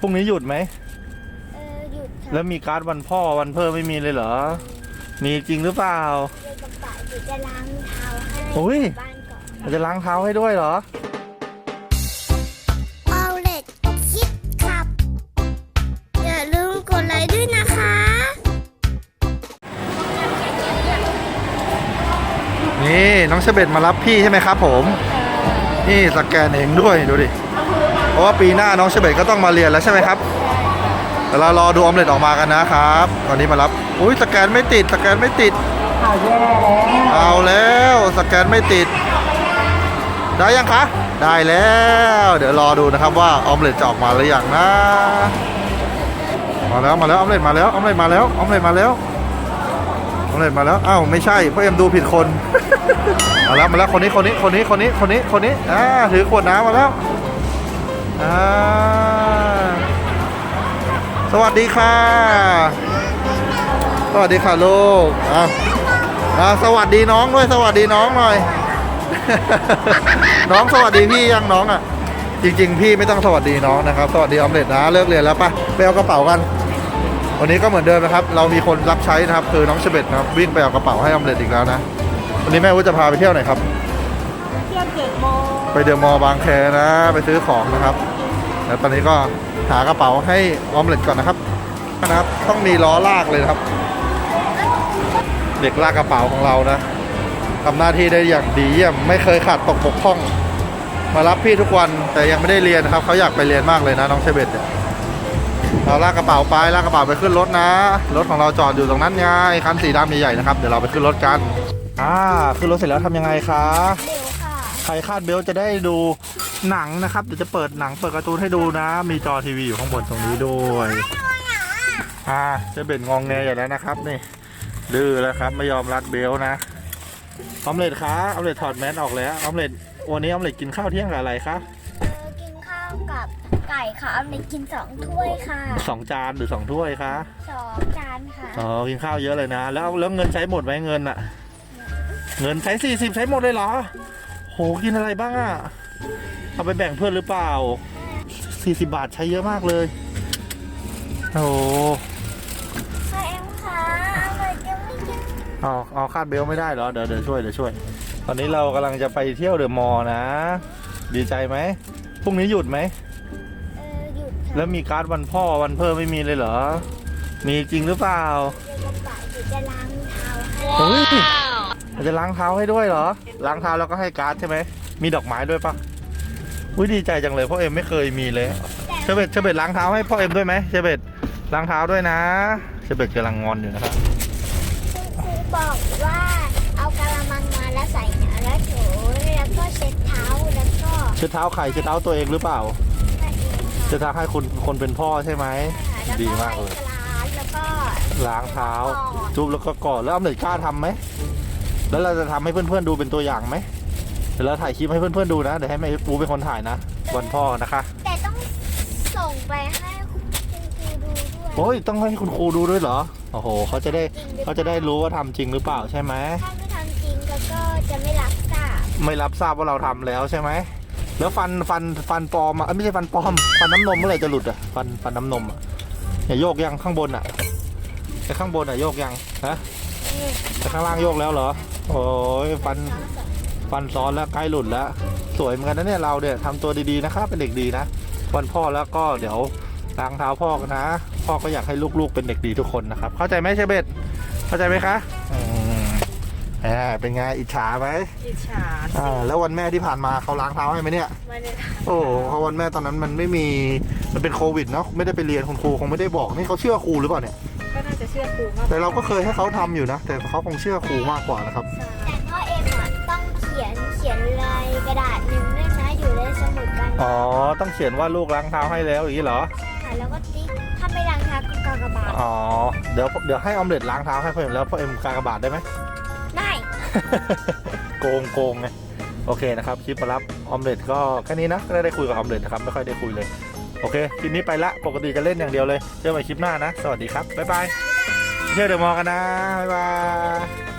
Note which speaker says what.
Speaker 1: พรุ่งนี้หยุดไหม
Speaker 2: หยุดค่ะ
Speaker 1: แล้วมีการ์ดวันพ่อวันเพิ่มไม่มีเลยเหรอมีจริงหรือเปล่า
Speaker 2: เดี๋ยวกระเป๋าจะล้างเท้าให้บ้านก่อน
Speaker 1: เราจะล้างเท้าให้ด้วยเหรอ
Speaker 2: เอาเล็ดคิดครับอย่าลืมกดไลค์ด้วยนะคะ
Speaker 1: นี่น้องเชเบตมารับพี่ใช่ไหมครับผมนี่สแกนเองด้วยดูดิเพราะว่าปีหน้าน้องเชเบตก็ต้องมาเรียนแล้วใช่ไหมครับเดี๋ยวเรารอดูออมเล็ตออกมากันนะครับตอนนี้มารับอุ้ยสแกนไม่ติดสแกนไม่ติดเอาแล้วสแกนไม่ติดได้ยังคะได้แล้วเดี๋ยวรอดูนะครับว่าออมเล็ตจะออกมาหรือยังนะมาแล้วออมเล็ตมาแล้วออมเล็ตมาแล้วออมเล็ตมาแล้วออมเล็ตมาแล้วอ้าวไม่ใช่พ่อเอ็มดูผิดคนมาแล้วคนนี้ถือขวดน้ำมาแล้วสวัสดีค่ะสวัสดีค่ะลูกสวัสดีน้องด้วยสวัสดีน้องหน่อย น้องสวัสดีพี่ยังน้องอ่ะจริงๆพี่ไม่ต้องสวัสดีน้องนะครับสวัสดีออมเล็ตนะเลิกเรียนแล้วปะไปเอากระเป๋ากันวันนี้ก็เหมือนเดิมนะครับเรามีคนรับใช้นะครับคือน้องเชเบตนะครับวิ่งไปเอากระเป๋าให้ออมเล็ตอีกแล้วนะวันนี้แม่วุ้จะพาไปเที่ยวไหนครับ
Speaker 2: เที่ยวเดอะมอลล์
Speaker 1: ไปเดอะมอลล์บางแคนะไปซื้อของนะครับแล้วตอนนี้ก็หากระเป๋าให้ออมเล็ตก่อนนะครับต้องมีล้อลากเลยนะครับเด็กลากกระเป๋าของเรานะทำหน้าที่ได้อย่างดีเยี่ยมไม่เคยขาดตกบกพร่องมารับพี่ทุกวันแต่ยังไม่ได้เรียนครับเขาอยากไปเรียนมากเลยนะน้องเชเบตเนี่ยเราลากกระเป๋าไปขึ้นรถนะรถของเราจอดอยู่ตรงนั้นไงคันสีดำใหญ่ๆนะครับเดี๋ยวเราไปขึ้นรถกันขึ้นรถเสร็จแล้วทำยังไงคะ
Speaker 2: เร็วค่ะ
Speaker 1: ใครคาดเบลจะได้ดูหนังนะครับเดี๋ยวจะเปิดหนังเปิดการ์ตูนให้ดูนะมีจอทีวีอยู่ข้างบนตรงนี้ด้วยเชเบตงองแงอยู่แล้วนะครับนี่ดื้อแล้วครับไม่ยอมรัดเบลนะออมเล็ตคะออมเล็ตถอดแมสออกแล้วออมเล็ตวันนี้ออมเล็ตกินข้าวเที่ยงกับอะไรคะ
Speaker 2: กินข้าวกับไก่ค่ะเอาไปกิน2 ถ้วยค่ะ
Speaker 1: 2 จานหรือ2 ถ้วยคะ
Speaker 2: 2 จานค่ะ
Speaker 1: กินข้าวเยอะเลยนะแล้วเงินใช้หมดไหมเงินอะเงินใช้40ใช้หมดเลยเหรอโหกินอะไรบ้างอะเอาไปแบ่งเพื่อนหรือเปล่า40 บาทใช้เยอะมากเลยโอ้เอาคาดเบลไม่ได้เหรอเดี๋ยวช่วยตอนนี้เรากำลังจะไปเที่ยวเดอะมอลล์นะดีใจไหมพรุ่งนี้หยุดไหม
Speaker 2: หยุดค่ะ
Speaker 1: แล้วมีการ์ดวันพ่อวันเพิ่มไม่มีเลยเหรอมีจริงหรือเปล่า
Speaker 2: จะล้างเท้า
Speaker 1: ให้จะล้างเท้าให้ด้วยเหรอล้างเท้าแล้วก็ให้การ์ดใช่ไหมมีดอกไม้ด้วยปะดีใจจังเลยพ่อเอ็มไม่เคยมีเลยเชเบตล้างเท้าให้พ่อเอ็มด้วยไหมเชเบตล้างเท้าด้วยนะเชเบตกำลังงอนอยู่นะครับ
Speaker 2: ครูบอกว่าเอากะละมังมาแล้วใส่น้ำแล้วถูแล้วก็เช็ดเท้าแล้วก็
Speaker 1: เช็ดเท้าใครเช็ดเท้าตัวเองหรือเปล่าเช็ดเท้าให้คนเป็นพ่อใช่ไหมดีมากเลย
Speaker 2: แล้วก็
Speaker 1: ล้างเท้าจุ๊บแล้วก็กอดแล้วออมเล็ตกล้าทำไหมแล้วเราจะทำให้เพื่อนๆดูเป็นตัวอย่างไหมเดี๋ยวเราถ่ายคลิปให้เพื่อนๆดูนะเดี๋ยวให้แม่ปูเป็นคนถ่ายนะวันพ่อนะคะ
Speaker 2: แต่ต้องส่งไปให้คุณครูดูด้วย
Speaker 1: โอ้ยต้องให้คุณครูดูด้วยเหรอโอ้โหเขาจะได้รู้ว่าทำจริงหรือเปล่าใช่ไหม
Speaker 2: ถ้าไม่ทำจริงก็จะไม่รับทรา
Speaker 1: บว่าเราทำแล้วใช่ไหมแล้วฟันปลอมไม่ใช่ฟันปลอมฟันน้ำนมเมื่อไหร่จะหลุดอ่ะฟันน้ำนมอ่ะอย่าโยกยังข้างบนอ่ะแต่ข้างบนอ่ะโยกยังนะแต่ข้างล่างโยกแล้วเหรอโอ้ยฟันซ้อนแล้วใกล้หลุดแล้วสวยเหมือนกันนะเนี่ยเราเนี่ยทำตัวดีๆนะครับเป็นเด็กดีนะวันพ่อแล้วก็เดี๋ยวล้างเท้าพ่อกันนะพ่อก็อยากให้ลูกๆเป็นเด็กดีทุกคนนะครับเข้าใจไหมเชเบตเข้าใจไหมคะเป็นไงอิจฉาไหม
Speaker 2: อิจฉา
Speaker 1: แล้ววันแม่ที่ผ่านมาเขาล้างเท้าให้ไหมเนี่ย
Speaker 2: ไม่ได้
Speaker 1: โอ้เพราะวันแม่ตอนนั้นมันไม่มีมันเป็นโควิดเนาะไม่ได้ไปเรียนคุณครูคงไม่ได้บอกนี่เขาเชื่อครูหรือเปล่าเนี่ย
Speaker 2: ก็น่าจะเชื่อครูมาก
Speaker 1: แต่เราก็เคยให้เขาทำอยู่นะแต่เขาคงเชื่อครูมากกว่านะครับ
Speaker 2: แต่พ่อเอ็มต้องเขียนลายกระดาษหนึ่งด้วยนะอยู่ในสมุดกัน
Speaker 1: ต้องเขียนว่าลูกล้างเท้าให้แล้วอย่างนี้เหรอ
Speaker 2: แล้วก็ติ๊กถ้าไม่ล้างเท้าก็กากบาท
Speaker 1: เดี๋ยวให้ออมเล็ตล้างเท้าให้พ่อเอ็มแล้วพ่อเอ็มกากบาทได้ไหม
Speaker 2: ได้
Speaker 1: โกงไงโอเคนะครับคลิปมารับออมเล็ตก็แค่นี้นะก็ได้คุยกับออมเล็ตนะครับไม่ค่อยได้คุยเลยโอเคคลิปนี้ไปละปกติจะเล่นอย่างเดียวเลยเจอกันใหม่คลิปหน้านะสวัสดีครับบ๊ายบายเที่ยวเดอะมอลล์กันนะบ๊ายบาย